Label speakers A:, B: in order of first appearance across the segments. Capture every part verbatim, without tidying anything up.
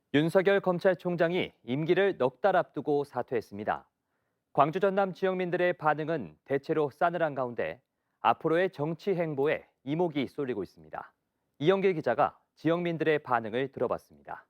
A: 윤석열 검찰총장이 임기를 넉 달 앞두고 사퇴했습니다. 광주 전남 지역민들의 반응은 대체로 싸늘한 가운데 앞으로의 정치 행보에 이목이 쏠리고 있습니다. 이영길 기자가 지역민들의 반응을 들어봤습니다.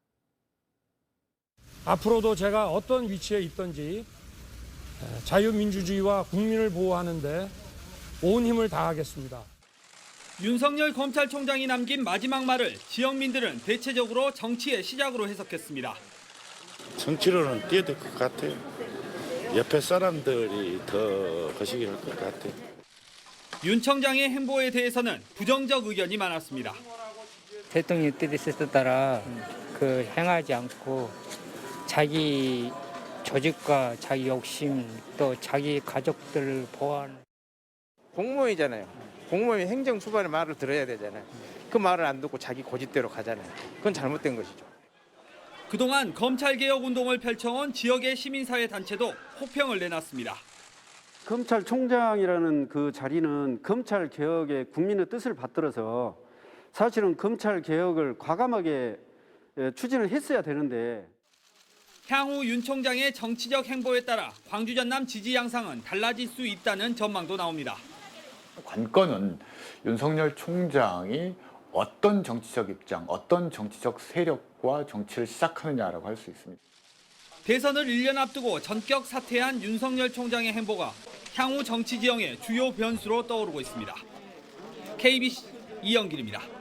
B: 앞으로도 제가 어떤 위치에 있든지 자유민주주의와 국민을 보호하는 데 온 힘을 다하겠습니다.
C: 윤석열 검찰총장이 남긴 마지막 말을 지역민들은 대체적으로 정치의 시작으로 해석했습니다.
D: 정치로는 뛰어야 될 것 같아요. 옆에 사람들이 더 거시기 할 것 같아요.
C: 윤 청장의 행보에 대해서는 부정적 의견이 많았습니다.
E: 대통령 뜻에 따라 그 행하지 않고 자기 조직과 자기 욕심 또 자기 가족들을 보호하는
F: 공무원이잖아요. 공무원이 행정 수반의 말을 들어야 되잖아요. 그 말을 안 듣고 자기 고집대로 가잖아요. 그건 잘못된 것이죠.
C: 그동안 검찰개혁 운동을 펼쳐온 지역의 시민사회 단체도 호평을 내놨습니다.
G: 검찰총장이라는 그 자리는 검찰 개혁에 국민의 뜻을 받들어서 사실은 검찰 개혁을 과감하게 추진을 했어야 되는데
C: 향후 윤 총장의 정치적 행보에 따라 광주 전남 지지 양상은 달라질 수 있다는 전망도 나옵니다.
H: 관건은 윤석열 총장이 어떤 정치적 입장, 어떤 정치적 세력과 정치를 시작하느냐라고 할 수 있습니다.
C: 대선을 일 년 앞두고 전격 사퇴한 윤석열 총장의 행보가 향후 정치 지형의 주요 변수로 떠오르고 있습니다. 케이비씨 이영길입니다.